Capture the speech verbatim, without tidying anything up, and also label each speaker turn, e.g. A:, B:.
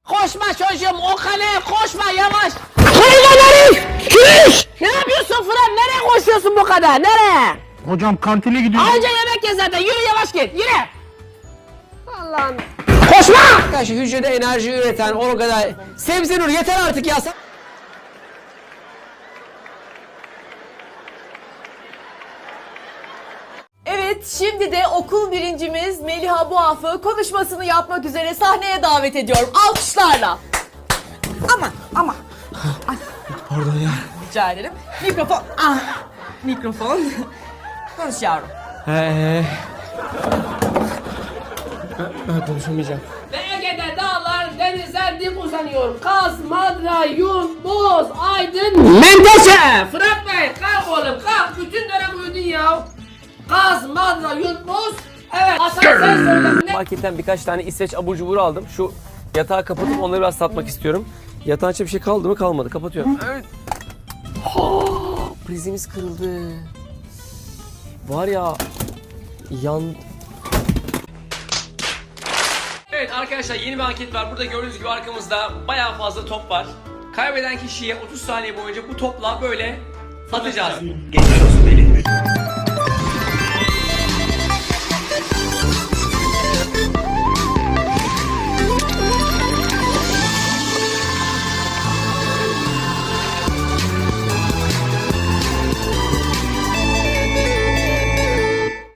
A: Koşma çocuğum, o kaleye koşma, yavaş.
B: Hayvan herif! Kiriş!
A: Ne yapıyorsun Fırat? Nereye koşuyorsun bu kadar? Nereye?
B: Hocam kantine gidiyorum.
A: Anca yemek ye zaten. Yürü, yavaş git. Yürü. Allah'ım. Koşma! Arkadaşlar hücrede enerji üreten o kadar. Sebze Nur yeter artık ya.
C: Evet, şimdi de okul birincimiz Meliha Buaf'ı konuşmasını yapmak üzere sahneye davet ediyorum. Alkışlarla. Aman, aman.
B: Pardon ya.
C: Rica ederim. Mikrofon. Ah, mikrofon. Konuş yavrum.
B: He. Ben konuşamayacağım.
A: Ve Ege'de dağlar, denizler dik uzanıyor. Kaz, Madra, Yun, Boz, Aydın, Menteşe. Fırat Bey, kalk oğlum, kalk. Bütün dönem uyudun ya. Kaz, Madra, Yun, Boz. Evet, Hasan sen söyle.
D: Marketten birkaç tane İsveç abur cubur aldım. Şu yatağı kapatıp onları biraz satmak istiyorum. Yatağın içinde bir şey kaldı mı? Kalmadı. Kapatıyorum. Evet. Prizimiz kırıldı. Var ya yan... Evet arkadaşlar, yeni bir anket var. Burada gördüğünüz gibi arkamızda bayağı fazla top var. Kaybeden kişiye otuz saniye boyunca bu topla böyle atacağız.
E: Geçmiş olsun Melih.